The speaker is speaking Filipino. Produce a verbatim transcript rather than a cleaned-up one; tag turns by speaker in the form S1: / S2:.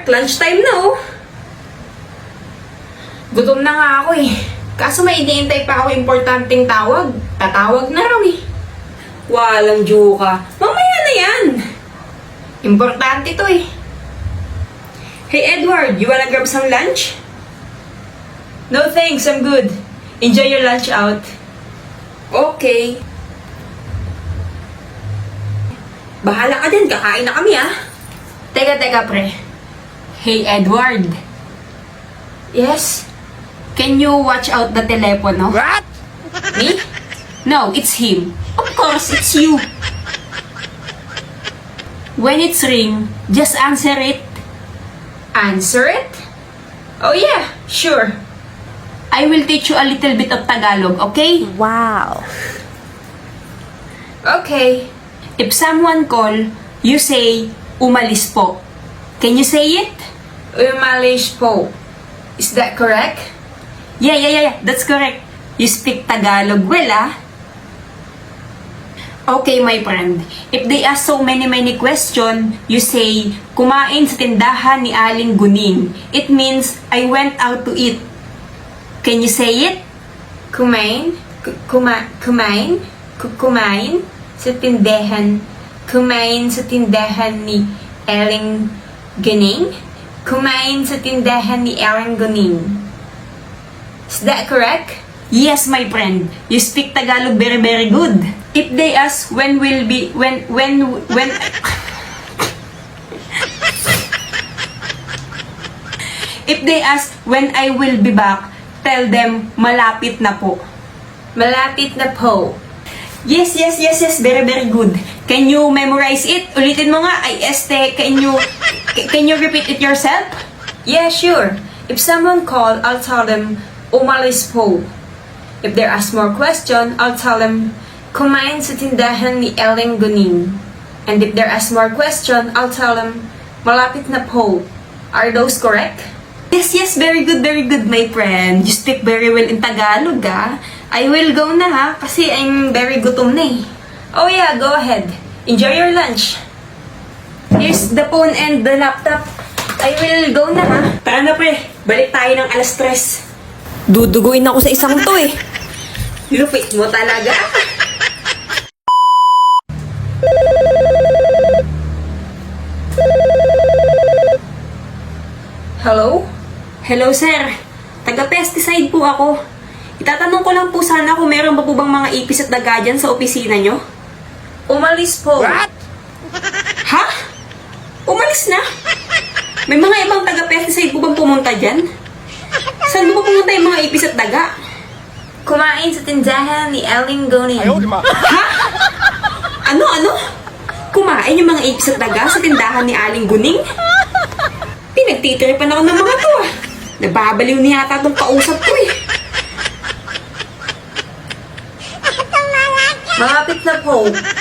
S1: Mark, lunchtime na oh. Gutom na nga ako eh. Kaso may iniintay pa ako importanteng tawag. Tatawag na raw eh. Walang juka. Mamaya na yan. Importante to eh. Hey Edward, you wanna grab some lunch? No thanks, I'm good. Enjoy your lunch out. Okay. Bahala ka din, kakain na kami ah. Teka, teka pre. Hey Edward. Yes? Can you watch out the telepono?
S2: What?
S1: Me? No, it's him. Of course, it's you. When it's ring, just answer it. Answer it? Oh yeah, sure. I will teach you a little bit of Tagalog, okay?
S2: Wow.
S1: Okay. If someone call, you say, umalis po. Can you say it? Umalis po. Is that correct? Yeah, yeah, yeah, yeah. That's correct. You speak Tagalog well, ah? Okay, my friend. If they ask so many, many question, you say, kumain sa tindahan ni Aling Guning. It means, I went out to eat. Can you say it? Kumain? K- Kuma kumain? K- Kumain? Sa tindahan. Kumain sa tindahan ni Aling Guning? Kumain sa tindahan ni Aling Guning. Is that correct? Yes, my friend. You speak Tagalog very, very good. If they ask when will be, when, when, when... If they ask when I will be back, tell them, malapit na po. Malapit na po. Yes, yes, yes, yes. Very, very good. Can you memorize it? Ulitin mo nga. Ay, este, can you, can you repeat it yourself? Yeah, sure. If someone call, I'll tell them, umalis po. If they ask more question, I'll tell them, kumain sa tindahan ni Aling Guning. And if they ask more question, I'll tell them, malapit na po. Are those correct? Yes, yes, very good, very good, my friend. You speak very well in Tagalog, ah. I will go na, ha, kasi I'm very gutom na eh. Oh yeah, go ahead. Enjoy your lunch. Here's the phone and the laptop. I will go na, ha. Tara na, pre. Balik tayo ng alas tres.
S2: Duduguin ako sa isang to eh.
S1: Lupit mo talaga. Hello? Hello, sir. Taga-pesticide po ako. Itatanong ko lang po sana kung meron pa po bang mga ipis at daga dyan sa opisina nyo? Umalis po.
S2: What?
S1: Ha? Umalis na? May mga ibang taga-pesticide po bang pumunta dyan? Saan mo pumunta yung mga ipis at daga? Kumain sa tindahan ni Aling Guning. Ha? Ano, ano? Kumain yung mga ipis at daga sa tindahan ni Aling Guning? Pinagtitiripan ako ng mga to ah. Nababaliw niya yata itong kausap ko eh. Malapit na po.